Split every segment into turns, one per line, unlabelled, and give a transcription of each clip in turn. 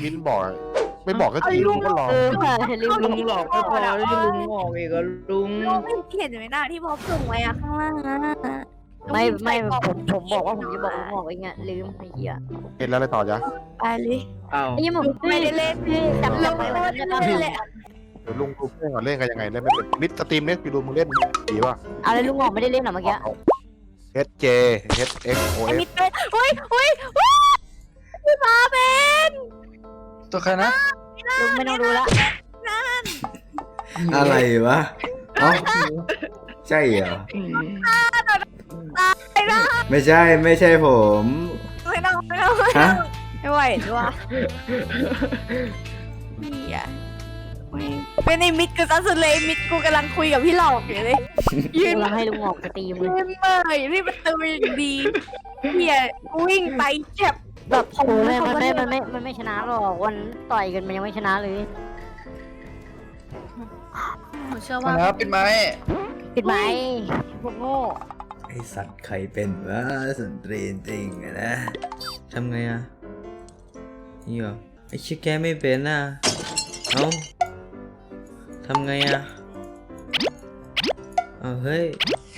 มิ้นบอกไม่บอกก็จริงก็รอ
ค่ะลืม
ลุงหลอกไม่พอแล้วที่ลุงออกอีกอะลุง
ลุงไม่เห็นไหมหน้าที่พอส่งไว้อะข้างล่างอะ
ไม่ผมบอกว่าผมจะบอกลุงออกเองอะลืมไอ้เหี้ย
เห็นแล้วอะไรต่อจ๊ะ
ไปเลย
อ้าว
ไอ้เหี้ยผม
ไม่ได้เล่น
จำ
ลุง
ไป
ไม่
วัน
ได้
นั้นจะ
เล่นเลย
เดี๋ยวลุงดูเล่นก่อนเล่นกันยังไงเล่นไม่เป็นมิดสตรีมเนี่ยไปดูมึงเล่นดีป่ะ
อะไรลุงออกไม่ได้เล่นหรอเมื่อกี้
HJ HXOF
ไอ้มิดเป็นอุ้ยพี่มาเป็น
ตัวใครนะ
ลุงไม่ต้องดูละ
อะไรวะอ๋อใช่เหรอไม่ใช่ผม
ไม่ต้อง
ฮะ
ไม่ไหวด้วยนี่อะเป็นไอ้มิดกูซะสุดเลยมิดกูกำลังคุยกับพี่หลอกอยู่เลยยืน
เราให้ลุงออกสตรีมเลย
ยืนเมื่อยที่ประตูอย่างดีเฮียวิ่งไปแคบแบบผม
โอ้ยมันไม่ชนะหรอกวันต่อยกันมันยังไม่ชนะเลย
เชื่อ
มา
ว่า
แล้วปิดไม้
ปิดไหมพวกโง่
ไอสัตว์ใครเป็นวะสนตรีจริงอะนะทำไงอะนี่เหรอไอชิแกไม่เป็นอะเอ้าทำไงอะเอาเฮ้ย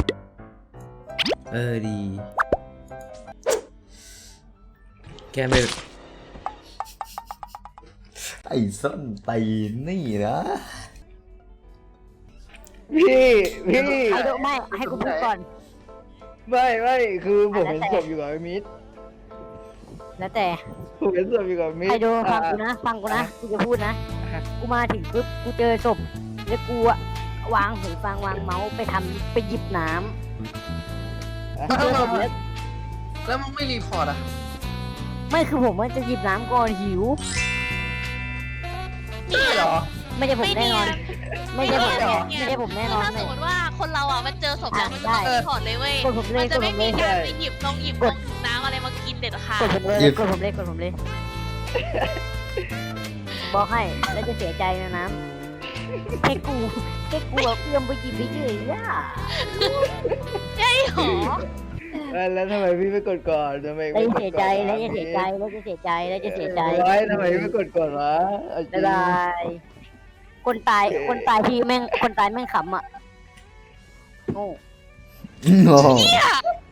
ดีแกไม่ไอ้ส้นตีนนี่นะ
พี่
ให้ดูไม่ให้กูพูดก่อน
ไม่คือผมเห็นศพอยู่กับไอ้มิด
แล้วแต่
ผมเห็นศพอยู่กับมิด
ให้ดูฟังกูนะกูจะพูดนะกูมาถึงปุ๊บกูเจอศพแล้วกูอะวางหูฟังวางเมาส์ไปหยิบน้ำเจอศพแล้ว
แล้วมึงไม่รีพอร์ตอ่ะ
ไม่คือผมว่าจะหยิบน้ำก่อนหิว
ใช่เหรอ
ไม่ใช่ผมแน่นอน ไม่ใช่ผมแน่นอน
ถ้าสมมติว่าคนเราอ่ะมันเจอศพแล้วมันจะต้องถอดเลยเว้ย
กดผมเล
มั
ย
นจะไม่มี
ก
การไปหยิบน้ำอะไรมากินเด็ดขาด
ดผมเลยบอกให้แล้วจะเสียใจนะน้ำแค่กูเอาเอื้อมไปหยิบไปเฉยอ่ะ
ใช่หรอ
แล้วทำไมพี่ไม่กดก่อนทำไม
แล้วจะเสียใจแล้วจะเสียใจ
ไว้ทำไมไม่กดก่อนวะ
บ๊ายบายคนตายที่แม่งขำอ่ะโง่
โง่